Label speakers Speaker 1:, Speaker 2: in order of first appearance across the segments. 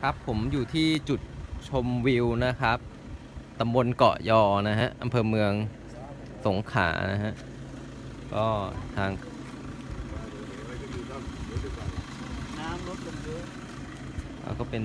Speaker 1: ครับผมอยู่ที่จุดชมวิวนะครับตำบลเกาะยอนะฮะอำเภอเมืองสงขลานะฮะก็ทาง
Speaker 2: น้ำลดลงเยอะ
Speaker 1: ก็เป็น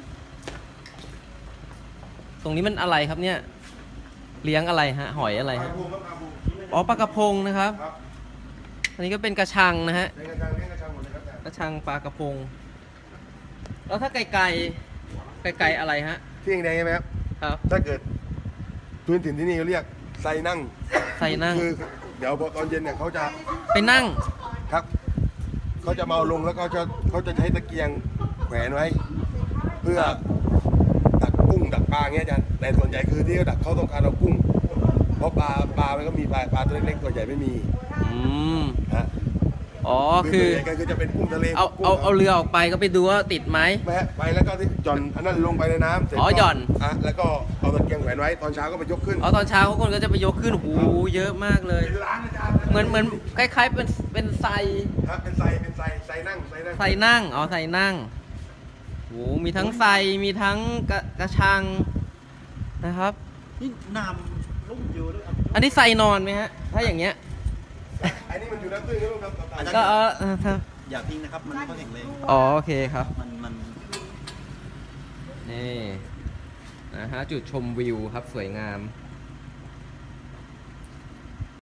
Speaker 1: ตรงนี้มันอะไรครับเนี่ยเลี้ยงอะไรฮะหอยอะไรฮะอ๋อปลากระพงนะครับอันนี้ก็เป็นกระชังนะฮะกระชังปลากระพงแล้วถ้าไก่อะไรฮะ
Speaker 3: ที่แดงใช่ไหมครับ
Speaker 1: ครับ
Speaker 3: ถ้าเกิดพื้นถิ่นที่นี่เขาเรียกไซนั่งคือเดี๋ยวพอตอนเย็นเนี่ยเขาจะ
Speaker 1: ไปนั่ง
Speaker 3: ครับเขาจะมาเอาลงแล้วเขาจะใช้ตะเกียงแขวนไว้เพื่อดักกุ้งดักปลาเงี้ยอาจารย์แต่ส่วนใหญ่คือที่เขาดักเขาต้องการเอากุ้งเพราะปลามันก็มีปลาตัวเล็กๆตัวใหญ่ไม่มีฮะ
Speaker 1: อ๋อคือ
Speaker 3: จะเป็นกุ้งทะเล
Speaker 1: เอาเรือออกไปก็ไปดูว่าติดไหม
Speaker 3: ไม่ฮะไปแล้วก็ที่หย่อนอันนั้นลงไปในน้ำเสร็จ
Speaker 1: อ๋อหย่อน
Speaker 3: แล้วก็เอาตะเกียงแขวนไว้ตอนเช้าก็ไปยกขึ้น
Speaker 1: อ๋อตอนเช้าคนก็จะไปยกขึ้นโอ้โหเยอะมากเลยเหมือนคล้ายๆเป็นไซ
Speaker 3: ครับเป็นไซนั่ง
Speaker 1: อ๋อไซนั่งโอ้มีทั้งไซมีทั้งกระชังนะครับ
Speaker 2: นี่น้ำลุ่มอยู่ด้วย
Speaker 1: อันนี้ไซนอนไหมฮะถ้าอย่างเงี้ย
Speaker 3: อันนี้มันอยู่น้ำตื้นครับ
Speaker 1: ก็
Speaker 2: อย่าทิ้งนะครับมันก็แข็งแรง
Speaker 1: อ๋อโอเคครับ
Speaker 2: มัน
Speaker 1: นี่นะฮะจุดชมวิวครับสวยงาม